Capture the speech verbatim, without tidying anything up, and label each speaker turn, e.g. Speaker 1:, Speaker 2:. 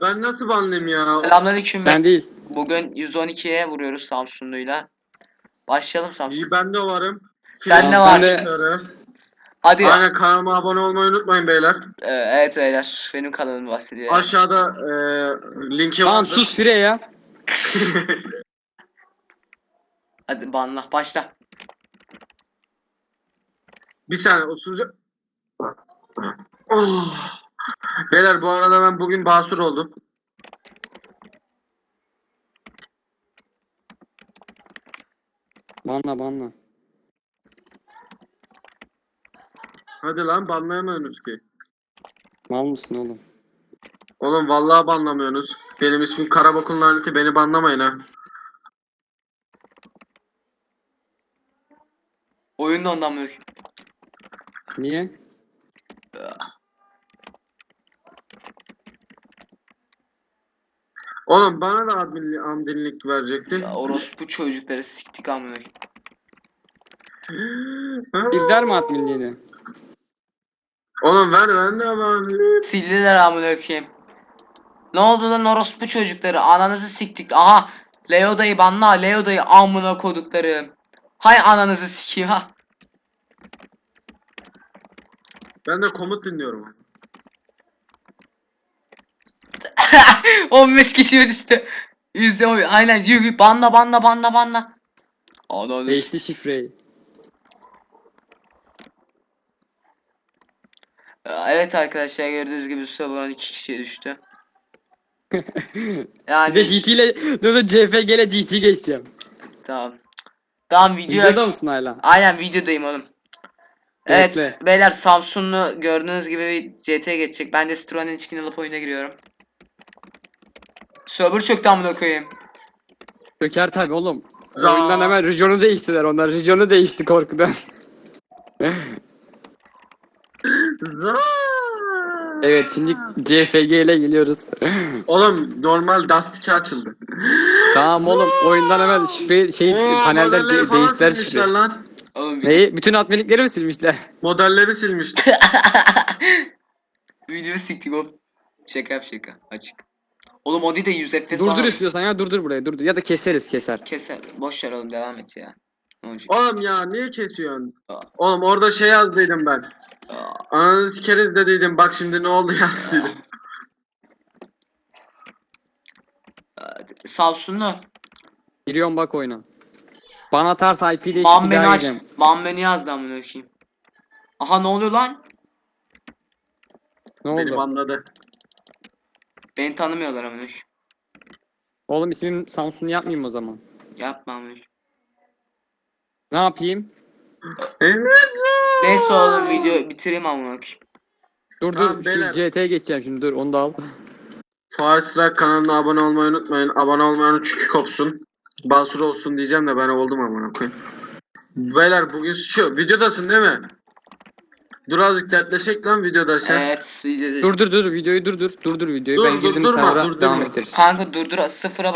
Speaker 1: ben nasıl banlayayım ya?
Speaker 2: Selamünaleyküm.
Speaker 3: Ben değil.
Speaker 2: Bugün yüz on ikiye vuruyoruz Samsunlu'yla. Başlayalım Samsun.
Speaker 1: İyi ben de varım.
Speaker 2: Sen
Speaker 1: Fil-
Speaker 2: ne
Speaker 3: var?
Speaker 1: Fil-
Speaker 2: Hadi.
Speaker 1: Aynen kanalıma abone olmayı unutmayın beyler.
Speaker 2: Ee, evet beyler. Benim kanalım bahsediyor.
Speaker 1: Aşağıda e, linki
Speaker 3: Tamam
Speaker 1: vardır.
Speaker 3: sus Fire ya.
Speaker 2: Hadi banla. Başla.
Speaker 1: Bir saniye oturacak. Oh. Beyler bu arada ben bugün basur oldum.
Speaker 3: Banla banla.
Speaker 1: Hadi lan banlayamıyorsunuz ki.
Speaker 3: Mal mısın oğlum?
Speaker 1: Oğlum vallahi banlamıyorsunuz. Benim ismim Karabok'un laneti, beni banlamayın ha.
Speaker 2: Oyun da ondan mı?
Speaker 3: Niye?
Speaker 1: Oğlum bana da adminlik, adminlik verecektin.
Speaker 2: Ya orospu çocukları siktik amına.
Speaker 3: Bizler mi adminliğini?
Speaker 1: Oğlum ver ben de adminlik.
Speaker 2: Sildiler amına koyayım. Ne oldu lan orospu çocukları? Ananızı siktik. Aha. Leo dayı banla. Leo dayı amına koduklarım. Hay ananızı sikeyim ha.
Speaker 1: Ben de komut dinliyorum.
Speaker 2: on beş kişi var işte. Yüzde on. Aynen yürü. Banla banla banla banla. Ananı.
Speaker 3: Değişti şifreyi.
Speaker 2: Evet arkadaşlar gördüğünüz gibi sabah iki kişiye düştü.
Speaker 3: Bir
Speaker 2: Yani
Speaker 3: de G T ile dur dur C F G ile G T geçeceğim.
Speaker 2: tamam. Tamam video
Speaker 3: Videoda
Speaker 2: aç.
Speaker 3: mısın hala?
Speaker 2: Aynen videodayım oğlum. Evet
Speaker 3: Bekle.
Speaker 2: beyler Samsunlu gördüğünüz gibi bir C T'ye geçecek. Ben de Citroen'in içkini alıp oyuna giriyorum. Server çöktü amına koyayım.
Speaker 3: Döker tabi oğlum.
Speaker 1: Za-
Speaker 3: Oyundan hemen regionu değiştiler onlar. Regionu değişti korkudan.
Speaker 1: Za-
Speaker 3: Evet şimdi C F G ile geliyoruz.
Speaker 1: Oğlum normal Dust iki açıldı.
Speaker 3: Tamam oğlum oyundan hemen şifre şey
Speaker 1: Oo,
Speaker 3: panelden
Speaker 1: modelleri
Speaker 3: de-
Speaker 1: falan
Speaker 3: değiştiler
Speaker 1: silmişler
Speaker 3: şifreyi.
Speaker 1: lan.
Speaker 2: Oğlum video,
Speaker 3: Neyi? Bütün adminlikleri mi silmişler?
Speaker 1: Modelleri silmişler.
Speaker 2: video siktik oğlum. Şaka yap şaka açık. Oğlum o değil de yüz F P S
Speaker 3: Durdur
Speaker 2: falan.
Speaker 3: istiyorsan ya durdur buraya durdur. Ya da keseriz keser.
Speaker 2: Keser. Boş ver oğlum devam et ya. Ne olacak?
Speaker 1: Oğlum ya niye kesiyorsun?
Speaker 2: Aa.
Speaker 1: Oğlum orada şey yazdıydım ben.
Speaker 2: Aa,
Speaker 1: Ananı sikeriz dediydim, bak şimdi ne oldu yazdıydım.
Speaker 2: Samsunlu.
Speaker 3: Giriyorum bak oyuna. Bana atarsa I P değişik
Speaker 2: Ban
Speaker 3: bir
Speaker 2: beni
Speaker 3: daha
Speaker 2: aç.
Speaker 3: gireceğim.
Speaker 2: Ban beni yazdı amına koyayım. Aha ne oluyor lan?
Speaker 3: Ne
Speaker 1: Benim
Speaker 3: oldu?
Speaker 1: anladı.
Speaker 2: Beni tanımıyorlar amına koyayım.
Speaker 3: Oğlum ismim Samsun yapmayayım o zaman.
Speaker 2: Yapma amına koyayım.
Speaker 3: Ne yapayım?
Speaker 1: Evet.
Speaker 2: Neyse oğlum video bitireyim amına koyayım.
Speaker 3: Dur
Speaker 1: Tamam,
Speaker 3: dur
Speaker 1: beyler.
Speaker 3: şu C T'ye geçeceğim şimdi dur onu da al.
Speaker 1: Fars Rock kanalına abone olmayı unutmayın. Abone olmayanın çünkü kopsun. Basur olsun diyeceğim de ben oldum amına koyayım. Beyler bugün şu videodasın değil mi? Dur azıcık dertleşek lan videoda sen.
Speaker 2: Evet video.
Speaker 3: Dur dur dur videoyu dur dur. Dur dur videoyu
Speaker 1: Dur,
Speaker 3: ben girdim
Speaker 1: durdurma,
Speaker 3: server'a
Speaker 1: durdurma.
Speaker 3: devam ederiz.
Speaker 2: Kanka durdur sıfıra